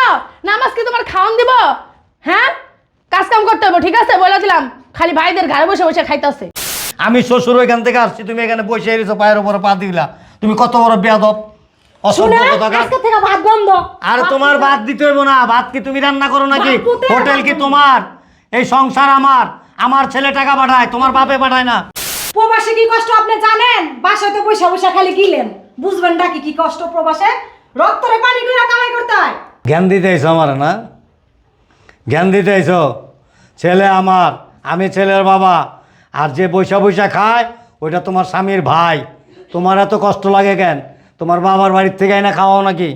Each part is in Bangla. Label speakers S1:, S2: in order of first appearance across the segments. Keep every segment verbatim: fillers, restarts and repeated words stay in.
S1: নামাজ কি তোমার খাওন দিব? হ্যাঁ, কাজ কাম করতে হবে, ঠিক আছে বলে দিলাম। খালি ভাইদের ঘরে বসে বসে খাইতেছে।
S2: আমি শ্বশুর ওইখান থেকে আসছি, তুমি এখানে বসে এসেছো, পায়ের উপরে পা দিলা। তুমি কত বড় বেয়াদব, অসভ্য কোথাকার।
S3: আজকে থেকে ভাত বন্ধ।
S2: আর তোমার ভাত দিতে হইব না। ভাত কি তুমি রান্না করো নাকি? হোটেল কি তোমার? এই সংসার আমার। আমার ছেলে টাকা পাঠায়, তোমার বাপে পাঠায় না।
S3: প্রবাসে কি কষ্ট আপনি জানেন? বাসায় তো পয়সা পয়সা খালি গিলেন, বুঝবেন নাকি কি কষ্ট প্রবাসে? রক্তরে পানি করে কামাই করতে হয়।
S2: জ্ঞান দিতে আইছো আমার না? জ্ঞান দিতে আইছো? ছেলে আমার, আমি ছেলের বাবা। আর যে পয়সা পয়সা খায় ওইটা তোমার স্বামীর ভাই। তোমার এত কষ্ট লাগে কেন? তোমার বাবার বাড়ির থেকে আইনা খাওয়াও নাকি?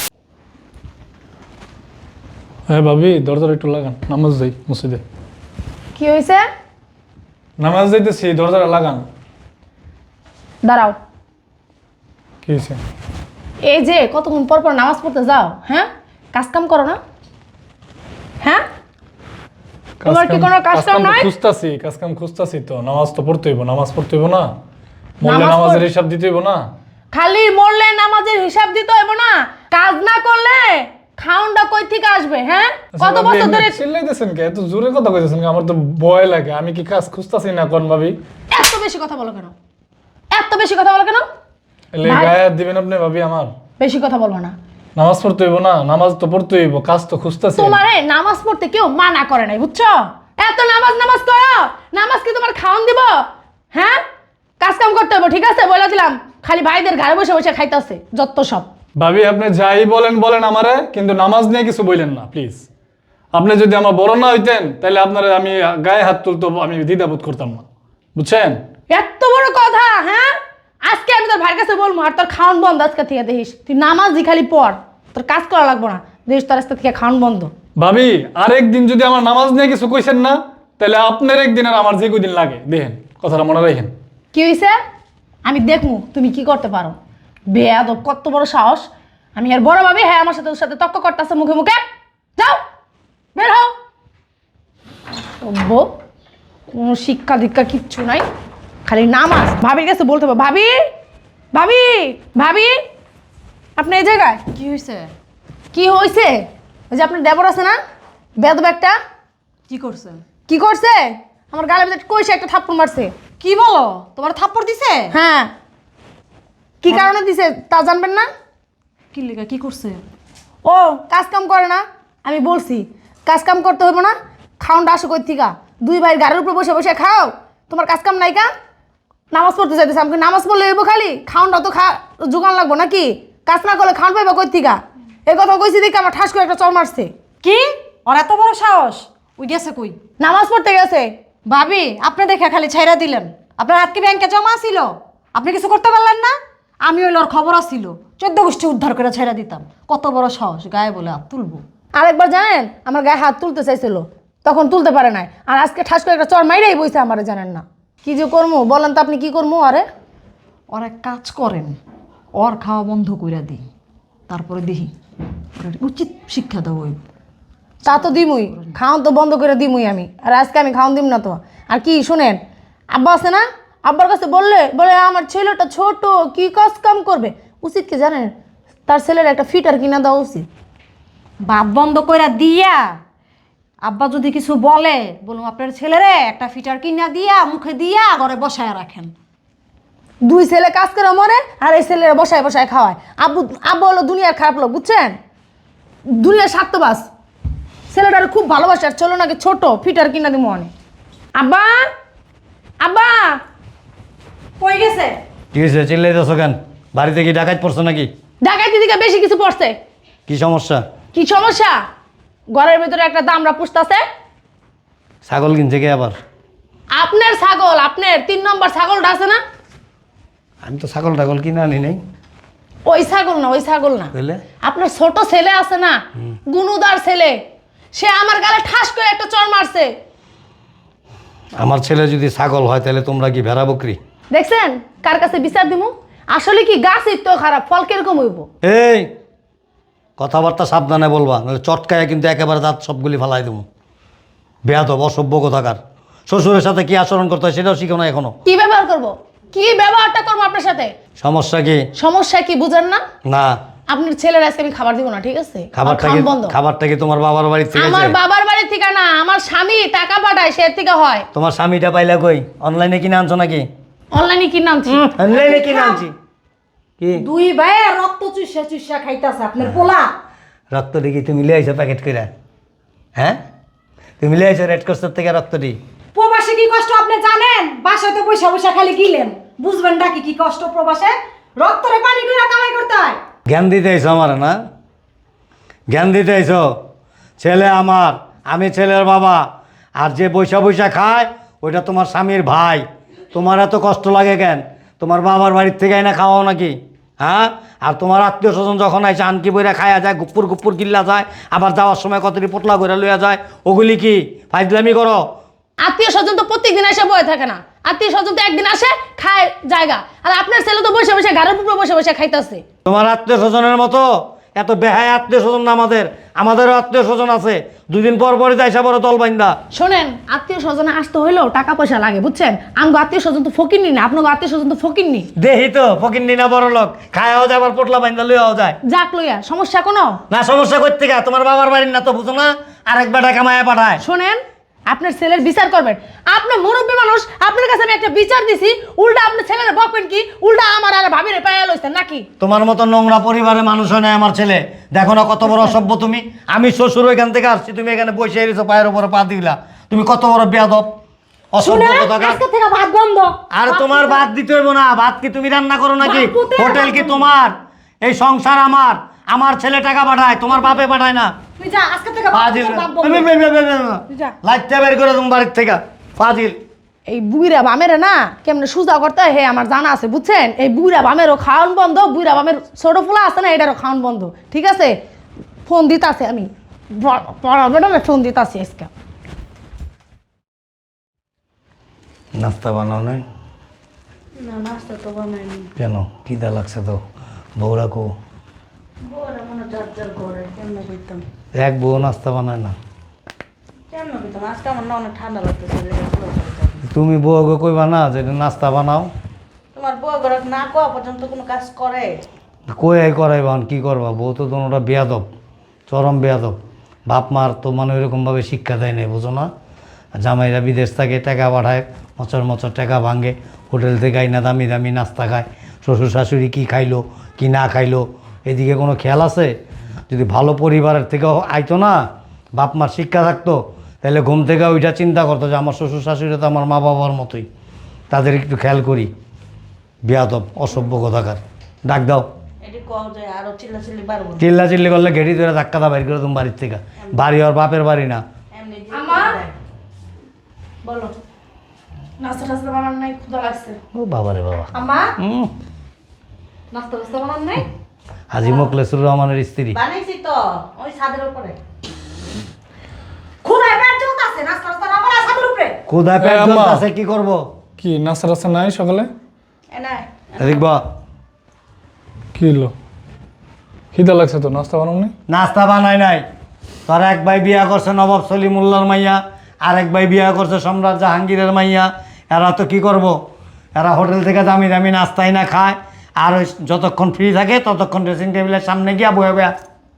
S4: হ্যাঁ ভাবি, দরজাটা একটু লাগান, নামাজ যাই মসজিদে।
S1: কি হয়েছে?
S4: নামাজ যাইতেছি, দরজাটা লাগান।
S1: দাঁড়াও।
S4: কি হয়েছে?
S1: এই যে কতক্ষণ পর পর নামাজ পড়তে যাও, হ্যাঁ? কাজ কাম করো না? হ্যাঁ, তোমার কি কোনো কাজ কাম নাই?
S4: খুঁজতাছি, কাজ কাম খুঁজতাছি তো। নামাজ তো পড়তে হইব, নামাজ পড়তে হইব না? মরলে
S1: নামাজ
S4: নামাজের
S1: পড়-
S4: হিসাব দিতে হইব না?
S1: খালি মরলে নামাজের হিসাব দিতে হইব না? কাজ না করলে খাউনটা কই থেকে আসবে? হ্যাঁ, কত বছর ধরে
S4: চিল্লাইতেছেন কে? এত জোরে কথা কইতেছেন কে? আমার তো ভয় লাগে। আমি কি কাজ খুঁজতাছি না কোন ভাবি?
S1: এত বেশি কথা বলো কেন? এত বেশি কথা বলো কেন?
S4: এলে
S1: ভাই-
S4: গায়ে হাত দিবেন আপনি ভাবি আমার?
S1: বেশি কথা বলবো না।
S4: নামাজ পড়তে হইব না? নামাজ তো পড়তে হইব, কাজ তো খুঁজতাছি।
S1: তোমারে নামাজ পড়তে কেউ মানা করে নাই, বুঝছো? এত নামাজ নামাজ করো, নামাজ কি তোমার খাওন দিব? হ্যাঁ, কাজ কাম করতে হবে, ঠিক আছে বলে দিলাম। খালি ভাইদের ঘরে বসে বসে খাইতেছে যত সব।
S4: ভাবি আপনি যাই বলেন বলেন আমারে, কিন্তু নামাজ নিয়ে কিছু বললেন না প্লিজ। আপনি যদি আমার বড় না হইতেন তাহলে আপনার আমি গায়ে হাত তুলতো, আমি দ্বিধাবোধ করতাম না, বুঝছেন?
S1: এত বড় কথা, হ্যাঁ? আজকে আমি তোর ভাইয়ের কাছে বলবো, আর তোর খাওন বন্ধ আজকে থেকে। দেখিস তুই নামাজই খালি পড়, তোর কাজ করা লাগবো না। দেখিস তোর আজকে থেকে খাওন বন্ধ।
S4: ভাবি আরেকদিন যদি আমার নামাজ নিয়ে কিছু কইছেন না, তাহলে আপনার একদিন আর আমার যে কদিন লাগে, দেখেন কথাটা মনে রাখেন।
S1: কি হয়েছে? আমি দেখমু তুমি কি করতে পারো। বেয়াদব, কত বড় সাহস! আমি আর বড় ভাবি, হ্যাঁ আমার সাথে ওর সাথে তক্ক করতেছে মুখে মুখে। যাও, বের হও। বউ, কোনো শিক্ষা দীক্ষা কিচ্ছু নাই, খালি নামাজ। ভাবির কাছে বলতে হবে, ভাবি ভাবি ভাবি, আপনি এই জায়গায়
S5: কি হয়েছে?
S1: কি হয়েছে? ওই যে আপনার দেবর আছে না, বেদব একটা,
S5: কি করছে?
S1: কি করছে? আমার গালের ভিতরে কইছে একটা থাপ্পড় মারছে।
S5: কি বলো? তোমার থাপ্পড় দিছে?
S1: হ্যাঁ, কি কারণে দিছে তা জানবেন না?
S5: কি লেগা কি করছে?
S1: ও কাজ কাম করে না, আমি বলছি কাজ কাম করতে হইব না। খাওনটা আসো কই থিকা? দুই ভাই গাড়ির উপর বসে বসে খাও, তোমার কাজ কাম নাই কা? নামাজ পড়তে চাইতেছে, আমাকে নামাজ পড়লে হইব খালি? খাওনটা তো খা জোগান লাগবো নাকি? কাজ না করলে খাওন পাইবা কই থিকা? এই কথা কইছি দেখে আমার ঠাস করে একটা চর মারছে।
S5: কি? ওর এত বড় সাহস? ওই গেছে কই?
S1: নামাজ পড়তে গেছে।
S5: ভাবি আপনি দেখে খালি ছাইরা দিলেন। আপনার হাত কি ব্যাংকে জমা ছিল? আপনি কিছু করতে পারলেন না? আমি ওই ওর খবর আসছিল, চোদ্দ গোষ্ঠী উদ্ধার করে ছাইরা দিতাম। কত বড় সাহস, গায়ে বলে হাত তুলবো?
S1: আরেকবার জানেন আমার গায়ে হাত তুলতে চাইছিল, তখন তুলতে পারে নাই। আর আজকে ঠাস করে একটা চর মাইরাই বইছে আমারে, জানেন না কি যে করবো? বলেন তো আপনি কি করবো? আরে
S5: ওর এক কাজ করেন, ওর খাওয়া বন্ধ কইরা দিই, তারপরে দেখি ওর উচিত শিক্ষা দেবো।
S1: তা তো দিমুই, খাওন তো বন্ধ করে দিমুই আমি। আর আজকে আমি খাওন দিম না তো। আর কি শুনেন, আব্বা আছে না, আব্বার কাছে বললে বলে আমার ছেলেটা ছোট, কি কাজ কাম করবে? উচিত কি জানেন? তার ছেলের একটা ফিটার কিনা দেওয়া উচিত।
S5: ভাত বন্ধ কইরা দিয়া আব্বা যদি কিছু বলে, বলুন আপনার ছেলেরে একটা ফিটার কিনা দিয়া মুখে দিয়া ঘরে বসায় রাখেন।
S1: দুই ছেলে কাজ করে মরে, আর এই ছেলেরা বসায় বসায় খাওয়ায়। আব্বু আব্বু হলো দুনিয়ার খারাপ লোক, বুঝছেন? দুনিয়ার স্বার্থবাস। ছেলেটার খুব ভালোবাসে, আর চলো নাকি ছোট ফিটার কিনা দিব অনেক। আব্বা আব্বা,
S5: কই গেছে?
S2: কি হয়েছে? চিল্লাইতেছো কেন? বাড়িতে কি ডাকাত পড়ছো নাকি?
S1: ডাকাতি দিকে বেশি কিছু পড়ছে।
S2: কি সমস্যা?
S1: কি সমস্যা? ঘরের ভিতরে একটা দামড়া পুষতাছে।
S2: ছাগল কিনছে কে আবার?
S1: আপনার ছাগল, আপনার তিন নম্বর ছাগলটা আছে না?
S2: আমি তো ছাগল টাগল কিনে আনি নাই।
S1: ওই ছাগল না, ওই ছাগল না।
S2: বুঝলে?
S1: আপনার ছোট ছেলে আছে না, গুনুদার ছেলে, সে আমার গালে ঠাস করে একটা চড় মারছে।
S2: আমার ছেলে যদি ছাগল হয় তাহলে তোমরা কি ভেড়া বকরি?
S1: দেখছেন কার কাছে বিচার দিমু? আসলে কি গাছই তো খারাপ, ফল কিরকম হইব?
S2: এই কথাবার্তা সাবধানে বলবা, নাহলে চটকায় কিন্তু একেবারে দাঁত সবগুলি ফালাই দেবো। বেয়াদব, অসভ্য কোথাকার। শ্বশুরের সাথে কি আচরণ করতে হয় সেটাও শিখো না এখনো।
S1: কি ব্যবহার করব? কি ব্যবহারটা করবো আপনার সাথে?
S2: সমস্যা কি?
S1: সমস্যা কি বুঝেন না?
S2: না,
S1: আপনার ছেলের আজকে আমি খাবার দিব না, ঠিক আছে?
S2: খাবারটা
S1: খাওয়ান
S2: কি
S1: বন্ধ।
S2: খাবারটা কি তোমার বাবার বাড়ি থেকে
S1: আমার
S2: আছে?
S1: বাবার বাড়ি থেকে না, আমার স্বামী টাকা পাঠায়, সে থেকে হয়।
S2: তোমার স্বামীটা পাইলা কই? অনলাইনে কিনে আনছো নাকি?
S1: অনলাইনে কিনে আনছি।
S2: অনলাইনে কিনে আনছি কি?
S3: দুই ভাই রক্ত চুষা চুষা খাইতাছে আপনার পোলা।
S2: রক্ত দেখি তুমি লিয়ে আইছো প্যাকেট করে? হ্যাঁ, তুমি লিয়ে আইছো রেড ক্রসের থেকে রক্তটি?
S3: প্রবাসে কি কষ্ট আপনি জানেন? বাসায় তো পয়সা পয়সা খালি গিলেন, বুঝবেন নাকি কি কষ্ট প্রবাসে? রক্তরে পানি কইরা কামাই করতে হয়।
S2: জ্ঞান দিতে আইছো আমার না? জ্ঞান দিতে আইছো? ছেলে আমার, আমি ছেলের বাবা, আর যে বৈশা বৈশা খায় ওইটা তোমার স্বামীর ভাই। তোমার এত কষ্ট লাগে কেন? তোমার বাবার বাড়ির থেকে না খাওয়াও নাকি? হ্যাঁ, আর তোমার আত্মীয় স্বজন যখন আইসে আনকি বইরা খায়া যায়, গুপ্পুর গুপ্পুর কিল্লা যায়, আবার যাওয়ার সময় কতটি পোটলা করে লইয়া যায়, ওগুলি কি ফাইজলামি করো?
S1: আত্মীয় স্বজন তো প্রত্যেকদিন এসে বয়ে থাকে না, আত্মীয় স্বজন তো একদিন আসে খায় জায়গা, আর আপনার ছেলে তো বসে বসে ঘরের উপরে বসে বসে খাইতেছে।
S2: তোমার আত্মীয় স্বজনের মতো এত বেহায় আত্মীয় স্বজন না আমাদের, আমাদেরও আত্মীয় স্বজন আছে, দুদিন পর পরে যাইসা বড় দল বাইন্দা।
S1: শোনেন, আত্মীয় স্বজনে আসতে হইলেও টাকা পয়সা লাগে, বুঝছেন? আমগো আত্মীয় স্বজন তো ফকিরনি না, আপনার আত্মীয় স্বজন তো ফকিরনি।
S2: দেহি তো ফকিন্নি না বড় লোক, খায়াও যায় আবার পোটলা বাইন্দা লইয়াও যায়।
S1: যাক লইয়া সমস্যা কোনো
S2: না সমস্যা করতে গা, তোমার বাবার বাড়ির না তো বুঝো না, আরেক বেটা কামায়া পাঠায়।
S1: শোনেন, আপনার ছেলের বিচার করবেন। আপনার মুরব্বী মানুষ, আপনার কাছে আমি একটা বিচার দিছি, উল্টা আপনার ছেলের বকবেন কি? উল্টা আমার আর ভাবিরে পায়া লইছেন নাকি?
S2: তোমার মতো নোংরা পরিবারের মানুষ হয় না আমার ছেলে। দেখো না কত বড় অসভ্য তুমি। আমি শ্বশুর এখান থেকে আসছি, তুমি এখানে বসে এসেছো পায়ের উপরে পা দিলা। তুমি কত বড় বেয়াদব অসভ্য
S3: শুনে
S2: কোথাকার।
S3: আজকে থেকে ভাত বন্ধ।
S2: আর তোমার ভাত দিতে হইব না, ভাত কি তুমি রান্না করো নাকি?
S3: ভাত কোথায়
S2: হোটেল কি
S3: রান্না?
S2: তোমার? এই সংসার আমার, আমার ছেলে টাকা পাঠায়, তোমার বাপে পাঠায় না।
S3: তুই যা, আজকে থেকে ভাত
S2: ফাজিল,
S3: তোর বাপ বন্ধ। যা।
S2: লাইটটা বের করে তুমি বাড়ির থেকে। ফাজিল।
S1: এই বুইরা বামেরে না কেমনে সুজা করতে হয় হে আমার জানা আছে, বুঝছেন? এই বুইরা বামেরও খাওয়ান বন্ধ, বুইরা বামের ছোট ফুলা আছে না, এটারও খাওয়ান বন্ধ, ঠিক আছে? ফোন দিতাছে আমি, পড়াবে না, ফোন দিতাছি আজকে।
S2: নাস্তা বানাও নাই?
S6: না নাস্তা তো বানাইনি।
S2: কেন, খিদা লাগছে তো? বউরা কো?
S6: বউরা মনে যার যার ঘরে কেমন করতাম
S2: এক বউ নাস্তা বানায় না?
S6: কেমন করতাম আজকে আমার না অনেক ঠান্ডা লাগতেছে।
S2: তুমি বউকে কইবা না যে নাস্তা বানাও?
S6: তোমার বউ ঘরে না কোয়া পর্যন্ত কোনো কাজ করে?
S2: কই করাইবান কি করবা? বউ তো তোমরা বেয়াদব, চরম বেয়াদব। বাপ মার তো মানে ওইরকমভাবে শিক্ষা দেয় নাই, বুঝো না? জামাইরা বিদেশ থেকে টাকা পাঠায়, মচর মচর টাকা ভাঙে, হোটেল থেকে আইনা দামি দামি নাস্তা খায়, শ্বশুর শাশুড়ি কি খাইলো কি না খাইলো এদিকে কোনো খেয়াল আছে? যদি ভালো পরিবারের থেকে আইতো না, বাপ মার শিক্ষা থাকতো, তাহলে ঘুম থেকে ওইটা চিন্তা করতো যে আমার শ্বশুর শাশুড়ি তো আমার মা বাবার মতোই, তাদের একটু খেয়াল করি। বেয়াদব অসভ্য কথাকার। ডাক দাও।
S6: এটি কও যে আরো চিল্লা চিল্লি বাড়বো
S2: চিল্লা চিল্লি করলে ঘেটি ধরে ধাক্কা দা বাইর করে তুমি বাড়ির থেকে। বাড়ি আর বাপের বাড়ি না।
S6: এমনি যে
S1: আমা?
S6: দেয়। বলো
S1: নাস্তা টাস্তা বানান নাই, ক্ষুধা লাগছে।
S2: ও বাবারে বাবা।
S1: আম্মা,
S2: হুম,
S1: নাস্তা টাস্তা বানান নাই?
S2: হাজি মোখলেসুর রহমানের স্ত্রী।
S6: বানাইছি তো ওই ছাদের উপরে।
S3: খুদায় পেট জ্বলতাছে, নাস্তা নাস্তা না বানা ছাদের উপরে।
S2: কোথায় পেট
S4: এ আম্মা।
S2: জ্বলতাছে, কি করব?
S4: কি নাস্তা টাস্তা নাই সকালে?
S6: এ নাই
S2: দেখবা
S4: কি হলো? খিদা লাগছে তো, নাস্তা বানাওনি?
S2: নাস্তা বানাই নাই। তার এক ভাই বিয়া করছে নবাব সলিমুল্লাহর মাইয়া, আর এক ভাই বিয়া করছে সম্রাট জাহাঙ্গীরের মাইয়া। এরা তো কি করব? এরা হোটেল থেকে দামি দামি নাস্তাই না খায়, আর ওই যতক্ষণ ফ্রি থাকে ততক্ষণ ড্রেসিং টেবিলের সামনে গিয়া বয়ে বয়া।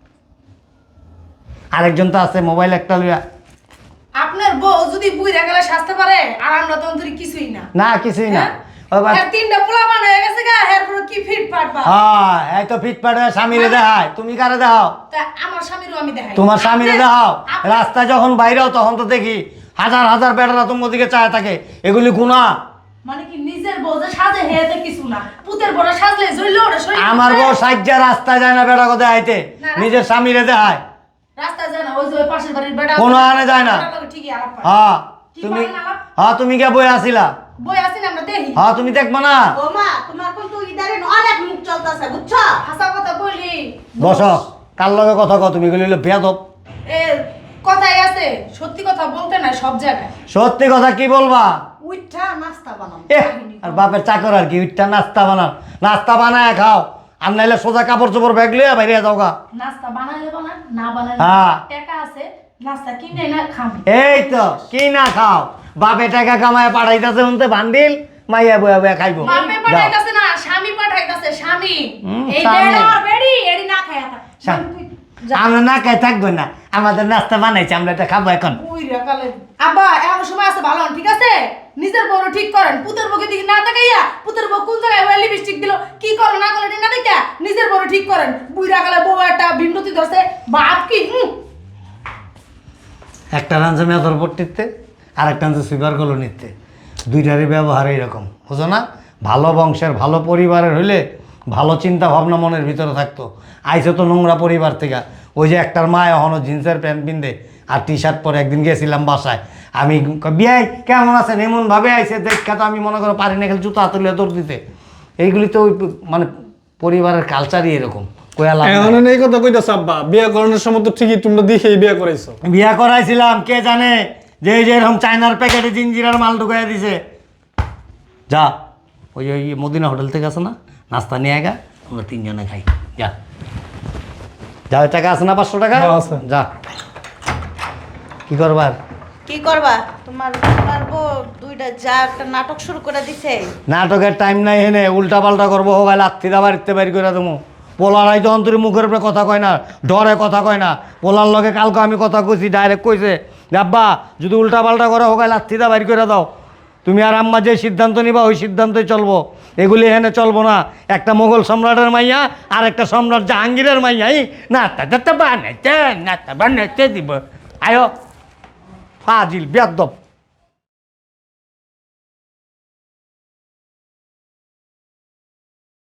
S2: আরেকজন তো আছে মোবাইল একটা লইয়া।
S1: আপনার বউ যদি বুইরা গেলে সাজতে পারে, আর আমরা তো অন্তরি কিছুই না।
S2: না কিছুই না।
S1: হ্যাঁ?
S2: ওই বা-
S1: আর তিনটা পোলা বানা হয়ে গেছে গা, এরপর কি ফিট পাটবা?
S2: হ্যাঁ, এই তো ফিটফাট হয়ে স্বামীরে দেখায়, তুমি কারে দেখাও?
S1: তা আমার স্বামীরও আমি দেখাই।
S2: তোমার স্বামীরে
S1: আপনার-
S2: দেখাও।
S1: আপনার-
S2: রাস্তায় যখন বাইরেও তখন তো দেখি হাজার হাজার বেটারা তোমার দিকে চায় থাকে, এগুলি গুণা।
S1: মানে কি নিজের বউ যে সাজে হেতে কিছু না, পুতের বড় সাজলে জইলো ওরে সই।
S2: আমার বউ সাজ্জা রাস্তায় যায় না বেটা কোথায় আইতে,
S1: না, না।
S2: নিজের স্বামীরে দেখায়।
S1: রাস্তা যায় না, ওই যে ওই পাশের বাড়ির বেটা
S2: কোনো আনে যায় না।
S1: বেটার লগে ঠিকই আলাপ পায়।
S2: হ্যাঁ
S1: কি
S2: তুমি,
S1: করেন আলাপ?
S2: হ্যাঁ তুমি কে বই আসিলা?
S1: বই আছি না, আমরা দেখি।
S2: হ্যাঁ তুমি দেখবো না?
S6: ও মা তোমার কিন্তু ইদারিন অনেক মুখ চলতেছে বুঝছো?
S1: হাসা কথা বলি।
S2: বসো, কার লগে কথা কও তুমি? এগুলি হলো বেয়াদব।
S1: এ কথাই আছে, সত্যি কথা বলতে না সব জায়গায়।
S2: সত্যি কথা কি বলবা?
S3: উইঠা নাস্তা বানাও।
S2: এ আর বাপের চাকর আর কি, উঠটা নাস্তা বানান, নাস্তা বানায় খাও, আর নাইলে সোজা কাপড় চোপড় ব্যাগ লিয়ে বাইরে যাও গা।
S1: নাস্তা বানাইলে বানান, না বানাইলে
S2: হ্যাঁ।
S1: টাকা আছে, নাস্তা কিনে না খাবি।
S2: এই তো কি না খাও, বাপে টাকা কামায় পাঠাইতেছে উনতে বান্ডিল, মাইয়া বয়া বয়া খাইবো
S1: বাপে
S2: যাও।
S1: পাঠাইতাছে না স্বামী পাঠাইতাছে স্বামী
S2: হুম,
S3: এই
S2: স্বামী।
S3: বেড়া আর বেড়ি এড়ি না খায় থাক
S2: স্বামী। আমরা না খাই থাকবো না, আমাদের নাস্তা বানাইছে, আমরা এটা খাবো এখন।
S1: বুইরা কালে আব্বা এমন সময় আছে ভালো হন, ঠিক আছে? নিজের বড় ঠিক করেন, পুতের বউকে দিকে না তাকাইয়া পুতের বউ কোন জায়গায় ওই লিপস্টিক দিল কি করো না করো এটা না দেখা নিজের বড় ঠিক করেন। বুইরা কালে বউ একটা বিমরতি ধরছে বাপ কি হুম।
S2: একটা রাঁধছে মেথর পট্টিতে, আর একটা রাঁধছে সুইপার কলো নিতে, দুইটারই ব্যবহার এইরকম, বুঝো না? ভালো বংশের ভালো পরিবারের হইলে ভালো চিন্তা ভাবনা মনের ভিতরে থাকতো। আইসে তো নোংরা পরিবার থেকে। ওই যে একটার মা এখনও জিন্সের প্যান্ট পিনতে আর টি শার্ট পরে একদিন গেছিলাম বাসায়, আমি বিয়াই কেমন আছেন এমনভাবে আইসে দেখা তো আমি মনে করো পারি না খেলে জুতো হাতুলিয়া দৌড় দিতে। এইগুলি তো ওই মানে পরিবারের কালচারই এরকম। কয়া লাভ নাই।
S4: এখন এই কথা কইতাছ আব্বা, বিয়ে করানোর সময় তো ঠিকই তোমরা দেখেই বিয়ে করাইছো।
S2: বিয়া করাইছিলাম, কে জানে যে এই যে এরকম চায়নার প্যাকেটে জিঞ্জিরার মাল ঢুকাই দিছে। যা ওই ওই মদিনা হোটেল থেকে আছে না, নাস্তা নিয়ে গা, আমরা তিনজনে খাই। যা যা, ওই টাকা আছে না পাঁচশো টাকা?
S4: হ্যাঁ, আছে।
S2: যা। কি করবার?
S6: কি করবা তোমার তোমার বউ দুইটা যা একটা নাটক শুরু করে দিছে।
S2: নাটকের টাইম নাই হেনে, উল্টা পাল্টা করবো হোক, লাত্তি দা বাড়িতে বাড়ি করে দেবো। পোলারাই তো অন্তরে মুখের উপরে কথা কয় না, ডরে কথা কয় না। পোলার লগে কালকে আমি কথা কইছি, ডাইরেক্ট কইছে যে আব্বা যদি উল্টা পাল্টা করে হোক লাত্তি দা বাড়ি করে দাও। তুমি আর আম্মা যে সিদ্ধান্ত নিবা ওই সিদ্ধান্তই চলবো, এগুলি এখানে চলবো না। একটা মোগল সম্রাটের মাইয়া আর একটা সম্রাট জাহাঙ্গীরের মাইয়া এই না তা বানাইতে না তা বানাইতে দিব। আয়ো ফাজিল বেয়াদব।